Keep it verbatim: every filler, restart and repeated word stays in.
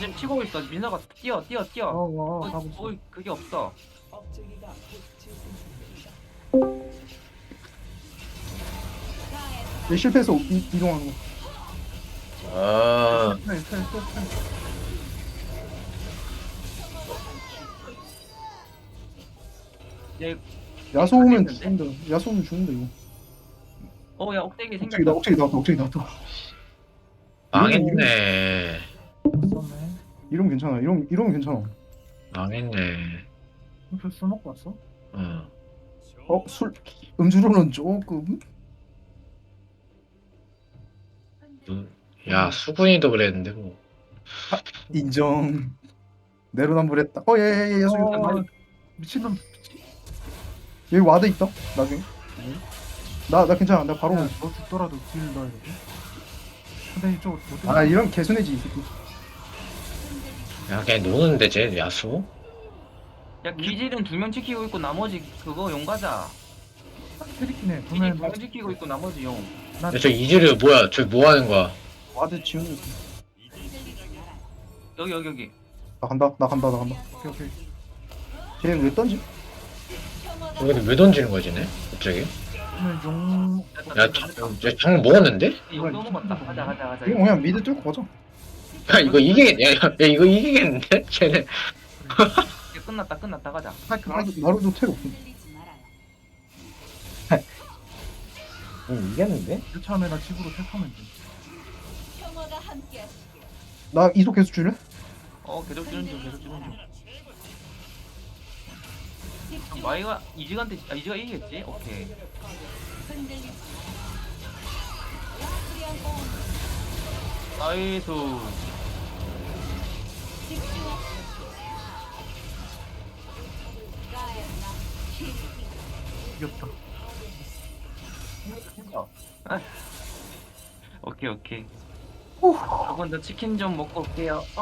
지금 치고 있어. 민서가 뛰어 뛰어 뛰어. 어어 어, 가고 있어. 어, 그게 없어. 얘 실패해서 이, 이동하는 거. 아, 네, 네, 네, 네. 얘, 야수 오면 됐는데? 죽는다. 야수 오면 죽는다 이거. 어, 야, 억대기 억제기 나 생겼다. 억제기 나왔다. 억제기 나왔다. 망했네. 썼네. 이러면 괜찮아. 이러면 이러면 괜찮아. 망했네. 술, 술 먹고 왔어? 어. 어, 술 음주로는 조금. 누- 야, 수근이도 그랬는데, 뭐. 인정. 내로남불했다. 어, 예예예. 야수 이거 어, 미친놈. 여기 와드 있다. 나중에. 나 나 괜찮아. 나 바로. 야, 너 죽더라도 딜 넣어야 돼. 근데 이쪽 못 아 이런 개순해지 이 새끼. 야, 걔 노는데, 쟤, 야수? 야, 기질은 두 명 지키고 있고 나머지 그거 용 가자. 트리키네. 기질 보면 두명 지키고 있고 나머지 용. 나 야, 저 이즈류 뭐야? 저 뭐 하는 거야? 와드 지우는 거. 여기 여기 여기. 나 간다. 나 간다. 나 간다. 오케이 오케이. 쟤는 왜 던지? 여기 왜 던지는 거야, 쟤네? 갑자기? 그러면 용 됐다, 야, 됐다, 됐다. 장, 쟤장 먹었는데? 용 넘어갔다. 가자 가자 가자. 이거 그냥 미드 뚫고 가자. 야, 이거 이기겠, 야, 야, 야, 이거 이기겠는데? 쟤네. 이제 끝났다 끝났다 가자. 스파이크 나도 나로도 텔 없어. 응, 이겼는데? 처음에 나 집으로 택하면 돼. 나 이속 계속 줄래? 어, 계속 주는 중 계속 주는 중. 그럼 마이가 이지한테 아 이지가 이기겠지? 오케이. 나이스. 이겼다. 아. 오케이 오케이. 조금 더 치킨 좀 먹고 올게요. 어.